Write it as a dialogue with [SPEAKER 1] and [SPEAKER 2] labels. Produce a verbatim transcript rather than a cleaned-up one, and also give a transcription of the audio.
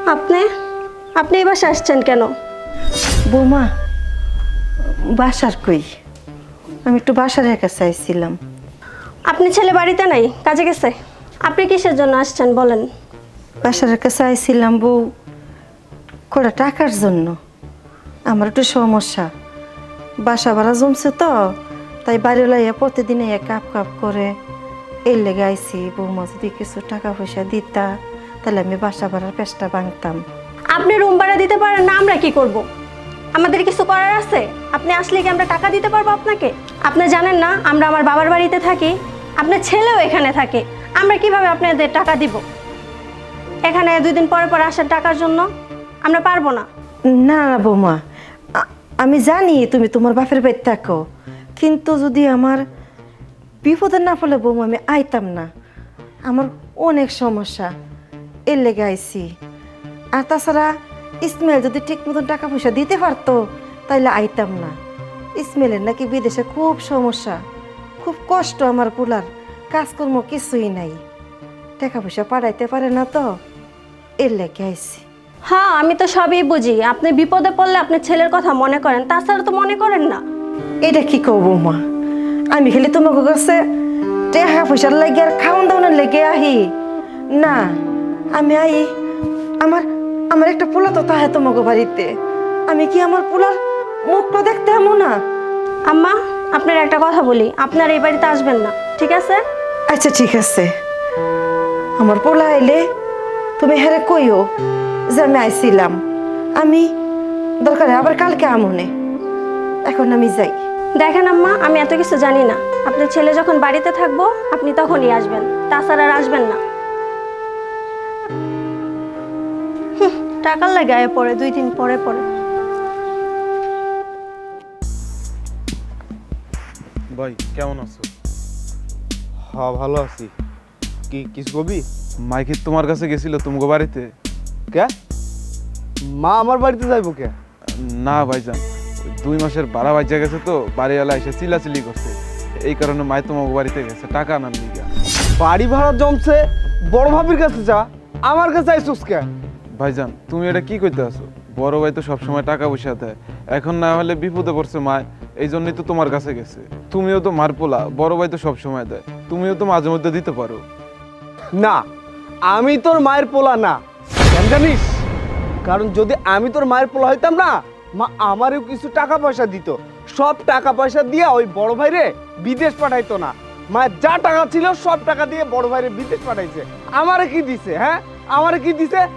[SPEAKER 1] আপনি আপনি এই বাসায় আসছেন কেন?
[SPEAKER 2] বৌমা, বাসার কই? আমি একটু বাসার একা চাইছিলাম।
[SPEAKER 1] আপনি ছেলে বাড়িতে নাই, কাজে গেছে। আপনি কিসের জন্য আসছেন বলেন?
[SPEAKER 2] বাসার একা চাইছিলাম বউ, কটা টাকার জন্য। আমার একটু সমস্যা, বাসা ভাড়া জমছে তো, তাই বাড়ি লাইয়া প্রতিদিন এক কাপ কাপ করে এর লেগে আইসি। বৌমা যদি কিছু টাকা পয়সা দিতা তাহলে আমি বাসা ভাড়ার পেশটা ভাঙতাম।
[SPEAKER 1] আপনি রুম ভাড়া দিতে পারেন না, আমরা কি করব? আমাদের কিছু করার আছে? আপনি আসলে কি আমরা টাকা দিতে পারবো আপনাকে? আপনি জানেন না আমরা আমার বাবার বাড়িতে থাকি, আপনার ছেলেও এখানে থাকে। আমরা কিভাবে আপনাদের টাকা দিব? এখানে দুই দিন পরে পরে আসার টাকার জন্য আমরা পারবো না।
[SPEAKER 2] না না বৌমা, আ- আমি জানি তুমি তোমার বাপের বাড়ি থাকো, কিন্তু যদি আমার বিপদে না ফলে বৌমা আমি আইতাম না। আমার অনেক সমস্যা, এর লেগে আইছি। আর তাছাড়া ইসমাইল যদি ঠিক মতন টাকা পয়সা দিতে পারতো তাইলে আইতাম না। ইসমাইলের নাকি বিদেশে খুব সমস্যা, খুব কষ্ট। আমার পোলার কাজকর্ম কিছুই নাই, টাকা পয়সা পাঠাইতে পারে না তো, এর লেগে আইছি।
[SPEAKER 1] হ্যাঁ, আমি তো সবই বুঝি। আপনি বিপদে পড়লে আপনার ছেলের কথা মনে করেন, তাছাড়া তো মনে করেন না।
[SPEAKER 2] এটা কি কও বৌমা? আমি খালি তোমাকে কাছে টাকা পয়সার লেগে আর খাওয়ান দাওয়ানোর লেগে আহি না। আমি আই আমার আমার একটা পোলা তো তাহে তোমাকে বাড়িতে। আমি কি আমার পোলার মুখটা দেখতে এমন না?
[SPEAKER 1] আম্মা, আপনার একটা কথা বলি, আপনার এই বাড়িতে আসবেন না, ঠিক আছে?
[SPEAKER 2] আচ্ছা ঠিক আছে, আমার পোলা আইলে তুমি হেরে কইও যে আমি আইছিলাম। আমি দরকারে আবার কালকে আমনে। এখন আমি যাই।
[SPEAKER 1] দেখেন আম্মা, আমি এত কিছু জানি না। আপনার ছেলে যখন বাড়িতে থাকবো আপনি তখনই আসবেন, তাছাড়া আর আসবেন না। হুঁ, টাকার লাগে আয় পরে দুই দিন পরে পরে।
[SPEAKER 3] ভাই কেমন আছো?
[SPEAKER 4] হ্যাঁ ভালো আছি। কি কিছু কবি?
[SPEAKER 3] মাইকে তোমার কাছে গেছিল তোমাকে বাড়িতে?
[SPEAKER 4] কে? মা আমার বাড়িতে যাইবো কে?
[SPEAKER 3] না ভাইজান, ওই দুই মাসের ভাড়া বাজ্যা গেছে তো, বাড়িওয়ালা এসে চিলাচিলি করছে, এই কারণে মাই তোমাকে বাড়িতে গেছে টাকা আনার লিগা।
[SPEAKER 4] বাড়ি ভাড়া জমছে, বড় ভাবির কাছে যা, আমার কাছে আইসুস কে?
[SPEAKER 3] ভাইজান তুমি এটা কি কইতে আছো? বড় ভাই তো সবসময় টাকা পয়সা দেয়, এখন না হলে বিপদে পড়ছে মা, এই জন্যই তো তোমার কাছে গেছে। তুমিও তো মার পোলা, বড় ভাই তো সবসময় দেয়, তুমিও তো মাঝে মধ্যে দিতে পারো।
[SPEAKER 4] না, আমি তোর মায়ের পোলা না, কেন জানিস? কারণ যদি আমি তোর মায়ের পোলা হইতাম না, মা আমারও কিছু টাকা পয়সা দিত। সব টাকা পয়সা দিয়ে ওই বড় ভাইরে বিদেশ পাঠাইতো না। মায়ের যা টাকা ছিল সব টাকা দিয়ে বড় ভাইরে বিদেশ পাঠাইছে। আমারে কি দিছে? হ্যাঁ, আমারে কি দিছে?